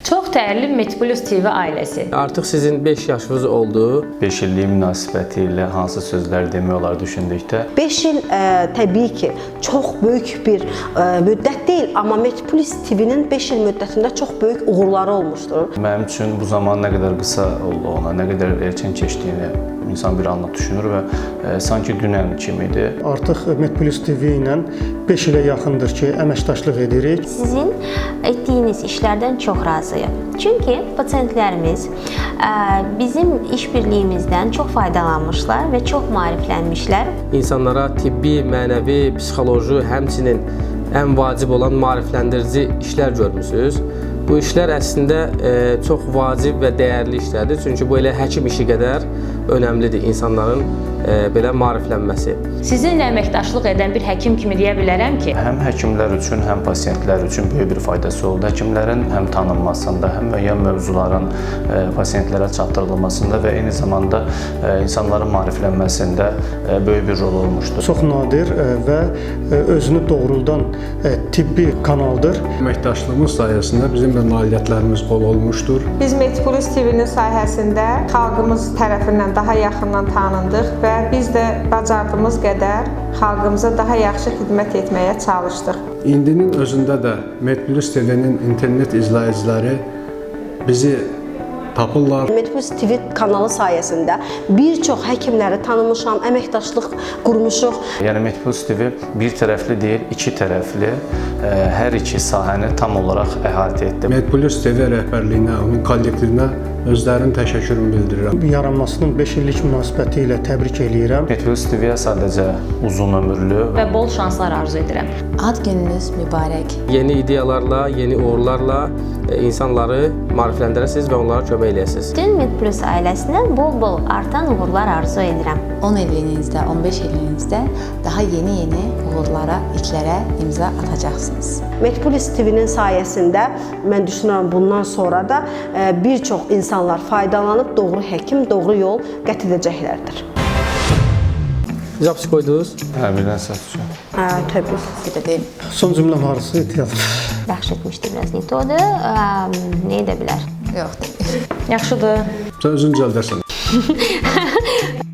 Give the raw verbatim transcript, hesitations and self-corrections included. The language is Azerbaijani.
Çox dəyərli Medplus T V ailəsi. Artıq sizin beş yaşınız oldu. beş illik münasibəti ilə hansı sözlər demək olar düşündükdə? beş il ə, təbii ki, çox böyük bir ə, müddət deyil, amma Medplus T V-nin beş il müddətində çox böyük uğurları olmuşdur. Mənim üçün bu zaman nə qədər qısa olduğuna, nə qədər erkən keçdiyini insan bir anlıq düşünür və e, sanki dünən kimidir. Artıq Medplus T V ilə beş ilə yaxındır ki, əməkdaşlıq edirik. Sizin etdiyiniz işlərdən çox razıyam. Çünki pasientlərimiz bizim işbirliyimizdən çox faydalanmışlar və çox maariflənmişlər. İnsanlara tibbi, mənəvi, psixoloji, həmçinin ən vacib olan maarifləndirici işlər görmüsünüz. Bu işlər əslində e, çox vacib və dəyərli işlərdir. Çünki bu elə həkim işi qədər önəmlidir insanların e, belə maariflənməsi. Sizinlə əməkdaşlıq edən bir həkim kimi deyə bilərəm ki, Həm həkimlər üçün, həm pasientlər üçün böyük bir faydası oldu. Həkimlərin həm tanınmasında, həm müəyyən mövzuların e, pasientlərə çatdırılmasında və eyni zamanda e, insanların maariflənməsində e, böyük bir rol olmuşdur. Çox nadir ə, və ə, özünü doğruldan ə, tibbi kanaldır. Əməkdaşlığımız sayəsində bizim də nailiyyətlərimiz bol olmuşdur. Biz Medplus T V-nin sayəsində xalqımız tərəfindən daha yaxından tanındıq və biz də bacardığımız qədər xalqımıza daha yaxşı xidmət etməyə çalışdıq. İndinin özündə də Medplus T V-nin internet izləyiciləri bizi tapırlar. Medplus T V kanalı sayəsində bir çox həkimləri tanımışam, əməkdaşlıq qurmuşuq. Yəni Medplus T V bir tərəfli deyil, iki tərəfli, e, hər iki sahəni tam olaraq əhatə etdi. Medplus T V rəhbərliyinə, onun kollektivinə özlərinin təşəkkürümü bildirirəm. Yaranmasının beş illik münasibəti ilə təbrik eləyirəm. Medplus T V-yə sadəcə uzun ömürlü və bol şanslar arzu edirəm. Ad gününüz mübarək. Yeni ideyalarla, yeni uğurlarla e, insanları maarifləndirəsiniz və onlara kömək eləyəsiniz. Bütün Medplus ailəsinə bol-bol artan uğurlar arzu edirəm. on illinizdə, on beş illinizdə daha yeni-yeni uğurlara, ilklərə imza atacaqsınız. Medplus T V-nin sayəsində mən düşünürəm bundan sonra da ə, bir çox insanlar faydalanıb doğru həkim, doğru yol qət edəcəklərdir. Zaps qoydunuz. Hə, birdən səs düşür. Hə, təbii. Sidə deyim. Son cümləm harısı ehtiyatlı. Yaxşı etmişdi biraz ne todu, nə edə bilər? Yoxdur. Yaxşıdır. Sən özün düzəldərsən.